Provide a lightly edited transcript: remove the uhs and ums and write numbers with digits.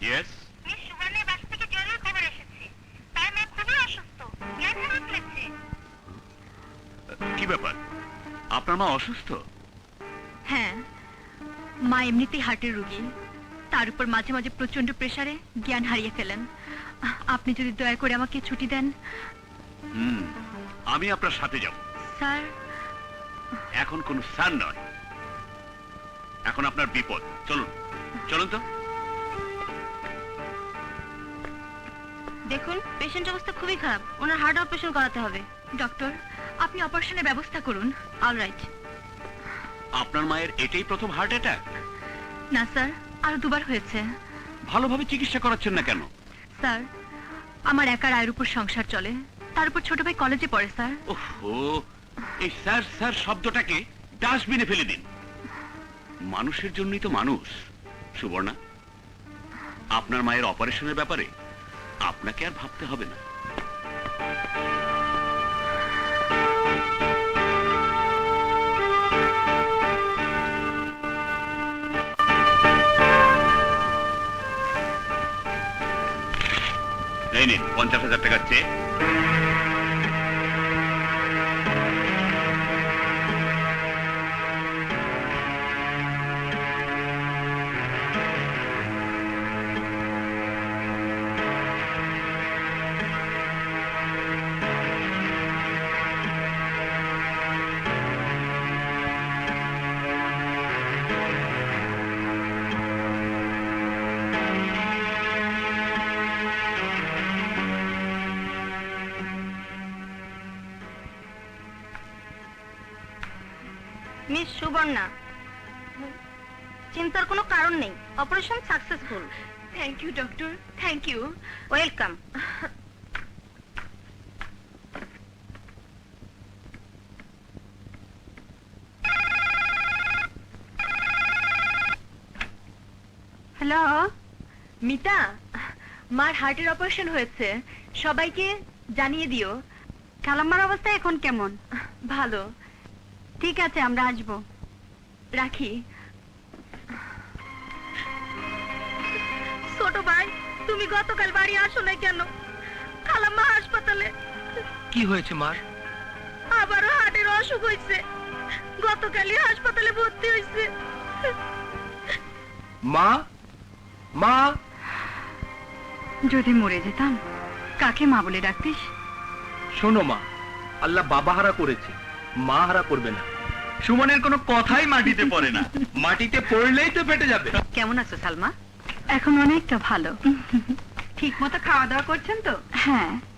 Yes. Miss সুবর্ণের বাসা থেকে জরুরি খবর এসেছে। তার মেয়ে খুবই অসুস্থ, জ্ঞান হারিয়ে ফেলেছে। কি ব্যাপার, আপনার মা অসুস্থ? হ্যাঁ, মা এমনিতেই হার্টের রোগী, তার উপর মাঝে মাঝে প্রচন্ড প্রেসারে জ্ঞান হারিয়ে ফেলেন। আপনি যদি দয়া করে আমাকে ছুটি দেন। আমি আপনার সাথে যাব। স্যার, এখন কোন স্যার নয়, এখন আপনার বিপদ। চলুন চলুন তো। দেখুন পেশেন্ট অবস্থা খুবই খারাপ, ওনার হার্ট অপারেশন করাতে হবে। ডক্টর, আপনি অপারেশনের ব্যবস্থা করুন। অলরাইট। আপনার মায়ের এটাই প্রথম হার্ট অ্যাটাক? না স্যার, আরো দুবার হয়েছে। ভালোভাবে চিকিৎসা করাচ্ছেন না কেন? স্যার, আমার একার আয়ের উপর সংসার চলে, তার উপর ছোট ভাই কলেজে পড়ে স্যার। ওহো, এই স্যার স্যার শব্দটাকে ডাস্টবিনে ফেলে দিন। মানুষের জন্যই তো মানুষ। সুবর্ণা, আপনার মায়ের অপারেশনের ব্যাপারে আপনাকে আর ভাবতে হবে না। এই নিন 50,000 টাকার চেক। মিস সুবর্ণা, চিন্তার কোনো কারণ নেই, operation successful. Thank you doctor, thank you. Welcome. Hello Mita, মার হার্টের অপারেশন হয়েছে, সবাইকে জানিয়ে দিও। খালাম্মার অবস্থা এখন কেমন? ভালো। ঠিক আছে, আমরা আসবো। রাখি। ছোট ভাই, তুমি গতকাল বাড়ি আসো না কেন? খালাম্মা হাসপাতালে। কি হয়েছে মার? আবারও হার্টের অসুখ হয়েছে, গতকালই হাসপাতালে ভর্তি হয়েছে। মা, মা। যদি মরে যেতাম, কাকে মা বলে ডাকতিস? শোনো মা, আল্লাহ বাবা হারা করেছে, মা হারা করবে না। সুমনের কোনো কথাই মাটিতে পড়ে না, মাটিতে পড়লেই তো ফেটে যাবে। কেমন আছো সালমা? এখন অনেকটা ভালো। ঠিক মতো খাওয়া দাওয়া করছেন তো? হ্যাঁ।